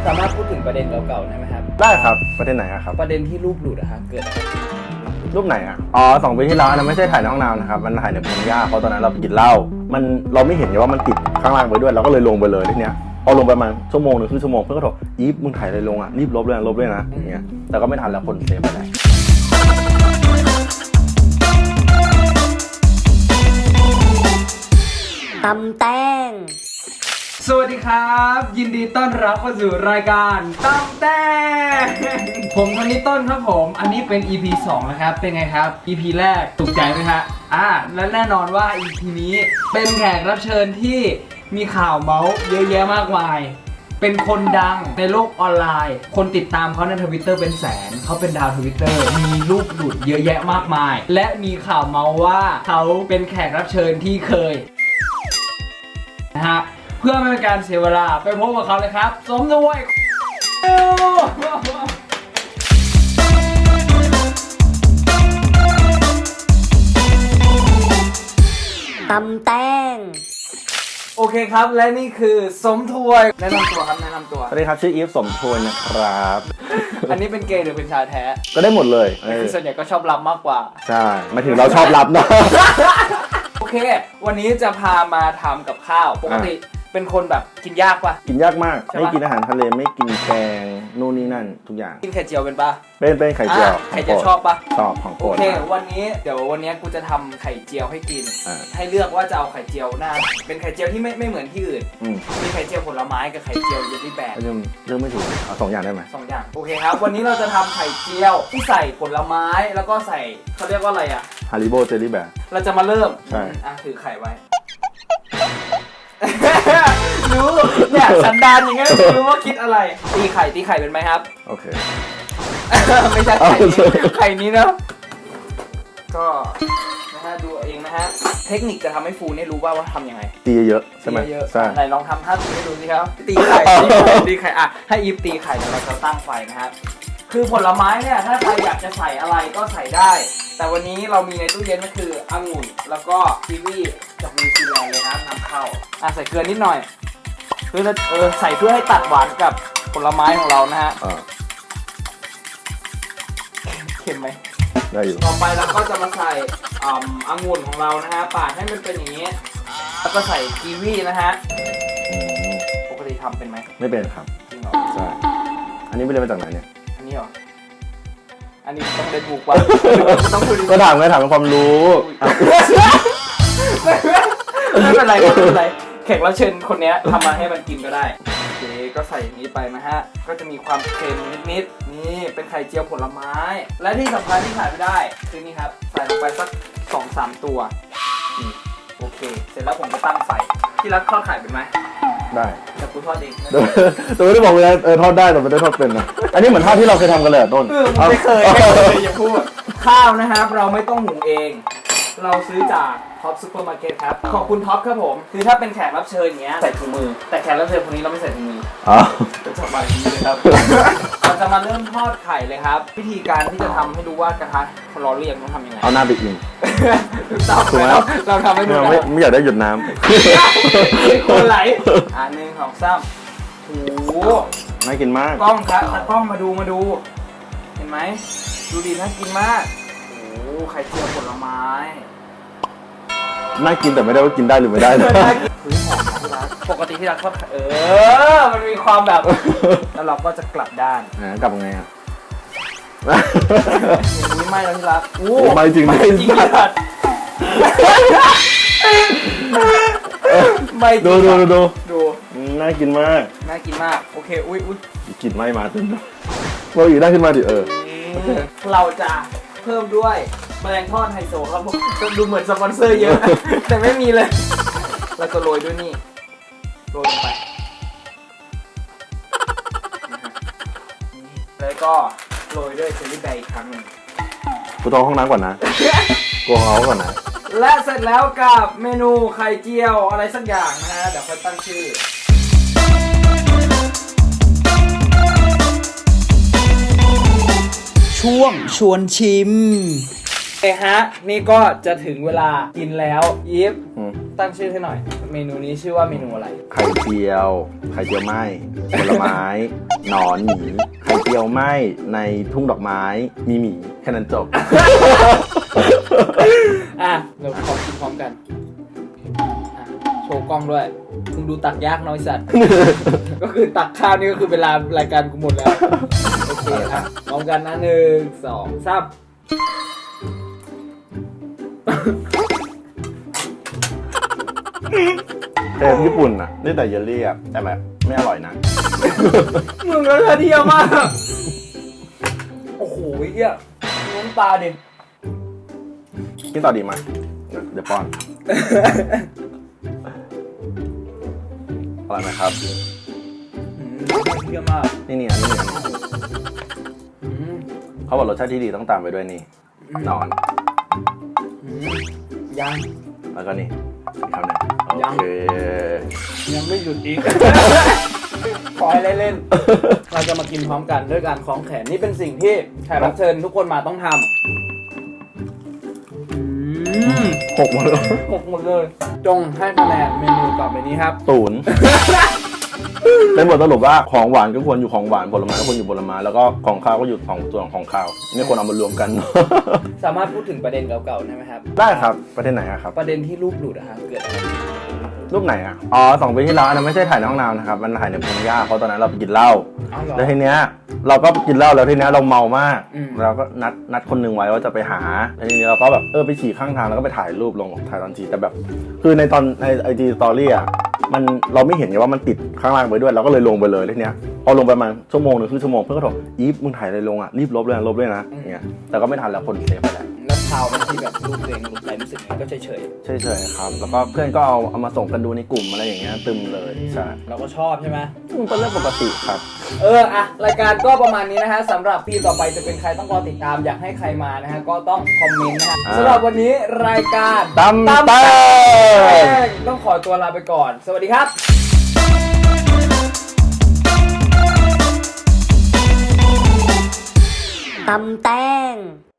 สามารถพูดถึงประเด็นเก่าๆได้ไหมครับได้ครับประเด็นไหนครับประเด็นที่รูปหลุดอะครับเกิดอะไรรูปไหนอ่ะอ๋อ2 ปีที่แล้วอันนั้นไม่ใช่ถ่ายในห้องน้ำนะครับมันถ่ายในพงหญ้าเพราะตอนนั้นเราไปกินเหล้าเราไม่เห็นว่ามันติดข้างล่างไปด้วยเราก็เลยลงไปเลยทีเนี้ยพอลงไปประมาณชั่วโมงหนึ่งครึ่งชั่วโมงเพื่อนก็บอกอีฟมึงถ่ายอะไรลงอ่ะรีบลบเลยนะอย่างเงี้ยแต่ก็ไม่ทันแล้วคนเซฟไปแล้วตำแต้งสวัสดีครับยินดีต้อนรับเข้าสู่รายการตำแต้งผมคนนี้ต้นครับผมอันนี้เป็น EP 2นะครับเป็นไงครับ EP แรกถูกใจไหมฮะและแน่นอนว่า EP นี้เป็นแขกรับเชิญที่มีข่าวเมาส์เยอะแยะมากมายเป็นคนดังในโลกออนไลน์คนติดตามเขาใน Twitter เป็นแสนเขาเป็นดาว Twitter มีรูปหลุดเยอะแยะมากมายและมีข่าวเมาส์ว่าเขาเป็นแขกรับเชิญที่เคยนะฮะเพื่อไม่เป็นการเสียเวลาไปพบกับเขาเลยครับสมด้วยตำแต้งโอเคครับและนี่คือสมทวยแนะนำตัวครับแนะนำตัวสวัสดีครับชื่ออีฟสมทวนนะครับอันนี้เป็นเกย์หรือเป็นชายแท้ก็ได้หมดเลยคือส่วนใหญ่ก็ชอบรับมากกว่าใช่หมายถึงเราชอบรับนะโอเควันนี้จะพามาทำกับข้าวปกติเป็นคนแบบกินยากปะกินยากมากไม่กินอาหารทะเลไม่กินแกงนู่นนี่นั่นทุกอย่างกินไข่เจียวเป็นปะเป็นไข่เจียวไข่เจียวชอบปะชอบของโปรดโอเควันนี้กูจะทำไข่เจียวให้กินให้เลือกว่าจะเอาไข่เจียวหน้าเป็นไข่เจียวที่ไม่เหมือนที่อื่นมีไข่เจียวผลไม้กับไข่เจียวเยลลี่แบกเรื่องไม่ถูกเอา2 อย่างได้ไหม 2 อย่างโอเคครับวันนี้เราจะทำไข่เจียวที่ใส่ผลไม้แล้วก็ใส่เขาเรียกว่าอะไรอะฮาริโบเจลลี่แบกเราจะมาเริ่มใช่ถือไข่ไว้รู้เนี่ยสันดานอย่างเงี้ยรู้ว่าคิดอะไรตีไข่เป็นไหมครับโอเคไม่ใช่ไข่นี้นะก็นะฮะดูเองนะฮะเทคนิคจะทำให้ฟูเนี่ยรู้ว่าทำยังไงตีเยอะใช่ไหมใช่ไหนลองทำท่าตีให้ดูสิครับตีไข่ให้อีฟตีไข่เดี๋ยวเราจะตั้งไฟนะครับคือผลไม้เนี่ยถ้าใครอยากจะใส่อะไรก็ใส่ได้แต่วันนี้เรามีในตู้เย็นก็คือองุ่นแล้วก็กีวีจากนิวซีแลนด์เลยนะนำเข้าใส่เกลือนิดหน่อยเพื่อใส่เพื่อให้ตัดหวานกับผลไม้ของเรานะฮะเค็มไหมได้อยู่ต่อไปเราก็จะมาใส่องุ่นของเรานะฮะปาดให้มันเป็นอย่างนี้แล้วก็ใส่กีวีนะฮะปกติทำเป็นไหมไม่เป็นครับจริงเหรอใช่อันนี้ไม่ได้มาจากไหนเนี่ยอันนี้เหรออันนี้ต้องเล่นบุกว่ะต้องคุยก็ถามเป็นความรู้ไม่เป็นไรแขกรับเชิญคนนี้ทำมาให้มันกินก็ได้โอเคก็ใส่อย่างนี้ไปนะฮะก็จะมีความเค็มนิดนี่เป็นไข่เจียวผลไม้และที่สำคัญที่ขาดไม่ได้คือนี่ครับใส่ลงไปสัก 2-3 ตัวโอเคเสร็จแล้วผมจะตั้งไฟที่รักทอดไข่เป็นไหมได้แต่กูทอดเองแต่ไม่ได้บอกเลยทอดได้แต่ไม่ได้ทอดเป็นนะอันนี้เหมือนทอดที่เราเคยทำกันเลยต้นไม่เคยอย่าพูดข้าวนะครับเราไม่ต้องหุงเองเราซื้อจากท็อปซูเปอร์มาร์เก็ตครับขอบคุณท็อปครับผมคือถ้าเป็นแขกรับเชิญอย่างเงี้ยใส่ถุงมือแต่แขกรับเชิญคนนี้เราไม่ใส่ถุงมือเป็นสบายดีเลยครับเราจะมาเริ่มทอดไข่เลยครับวิธีการที่จะทำให้รู้ว่ากระทะร้อนหรือยังต้องทำยังไงเอาหน้าไปอิงถูกไหมเราทำให้ดูไม่อยากได้หยดน้ำคนไหล1 2 3โอ้โหน่ากินมากกล้องครับกล้องมาดูเห็นไหมดูดีน่ากินมากโอ้ไข่เจียวผลไม้น่ากินแต่ไม่ได้ว่ากินได้หรือไม่ได้นะปกติที่เราทอดมันมีความแบบแล้วเราก็จะกลับด้านกลับไงอ่ะอย่างนี้ไม่แล้วที่รักโอ้ไม่จริงไม่ดูน่ากินมากโอเคอุ้ยกลิ่นไหม้มาตึ้งเราอยู่ได้ขึ้นมาดิเราจะเพิ่มด้วยแมลงทอดไฮโซครับผมดูเหมือนสปอนเซอร์เยอะแต่ไม่มีเลยเราจะโรยด้วยนี่โรยลงไปแล้วก็โรยด้วยเชอร์รี่แบร์อีกครั้งนึงกูต้องห้องน้ำก่อนนะกูเอาก่อนนะและเสร็จแล้วกับเมนูไข่เจียวอะไรสักอย่างนะฮะเดี๋ยวค่อยตั้งชื่อช่วงชวนชิมฮะนี่ก็จะถึงเวลากินแล้วอีฟอืมตั้งชื่อให้หน่อย เมนูนี้ชื่อว่าเมนูอะไรไข่เจียวไหม้ผลไม้ หนอนหมีไข่เจียวไหม้ในทุ่งดอกไม้มีหมีแค่นั้นจบอ่ะเราขอกินพร้อมกันอ่ะโชว์กล้องด้วยมึงดูตักยากน้อยสัตว์ ก็คือตักข้าวนี่ก็คือเวลารายการกูหมดแล้ว โอเคอ่ะพร้อมกันนะ1 2 3 เทปญี่ปุ่นอ่ะนี่แต่เยลลี่อ่ะแต่แบบไม่อร่อยนะมึงก็เที่ยวมาก โอ้โหเหี้ยน้ำตาดิกินต่อดีไหมเดี๋ยวป้อน อร่อยไหมครับเที่ยวมากนี่อันนี้อืมเขาบอกรสชาติที่ดีต้องตามไปด้วยนี่หนอนอืมยังแล้วก็นี่อีกคำหนึ่งยังโอเคยังไม่หยุดอีก ขอให้เล่นๆเราจะมากินพร้อมกันด้วยการคล้องแขนนี่เป็นสิ่งที่แขกรับเชิญทุกคนมาต้องทำหกหมดเลยหกหมดเลย จงให้คะแนนเมนูต่อไปนี้ครับศูนย์ เป็นบทสรุปว่าของหวานก็ควรอยู่ของหวานผลไม้ก็ควรอยู่ผลไม้แล้วก็ของข้าวก็อยู่ของส่วนของข้าวไม่ควรเอามารวมกันสามารถพูดถึงประเด็นเก่าๆได้ไหมครับได้ครับประเทศไหนอะครับประเด็นที่รูปหลุดอะครับเกิดอะไรขึ้นรูปไหนอะอ๋อ2 ปีที่แล้วอันนั้นไม่ใช่ถ่ายในห้องน้ำนะครับมันถ่ายในพงหญ้าเพราะตอนนั้นเราไปกินเหล้าอ้าวเหรอแล้วทีเนี้ยเราก็กินเหล้าแล้วทีเนี้ยเราเมามากอืมเราก็นัดคนหนึงไว้ว่าจะไปหาแล้วทีนี้เราก็แบบไปฉี่ข้างทางแล้วก็ไปถ่ายรูปลงถ่ายตอนฉี่แต่แบบ คือในไอจีสตอรี่อะมันเราไม่เห็นไงว่ามันติดข้างล่างไปด้วยเราก็เลยลงไปเลยทีเนี้ยพอลงไปประมาณชั่วโมงหนึ่งครึ่งชั่วโมงเพื่อนก็บอกอีฟมึงถ่ายอะไรลงอะรีบลบเลยนะอย่างเงี้ยแต่ก็ไม่ทันแล้วคนเซฟไปแล้วแล้วชาวเป็นที่แบบรูปตัวเองหลุดไปรู้สึกไงก็เฉยเฉยๆครับแล้วก็เพื่อนก็เอามาส่งกันดูในกลุ่มอะไรอย่างเงี้ยตึมเลยใช่ๆเราก็ชอบใช่ไหมมันเป็นเรื่องปกติครับอะรายการก็ประมาณนี้นะฮะสำหรับปีต่อไปจะเป็นใครต้องรอติดตามอยากให้ใครมานะฮะก็ต้องคอมเมนต์นะฮะอ่าสำหรับวันนี้รายการตำแตงต้องขอตัวลาไปก่อน สวัสดีครับตำแตง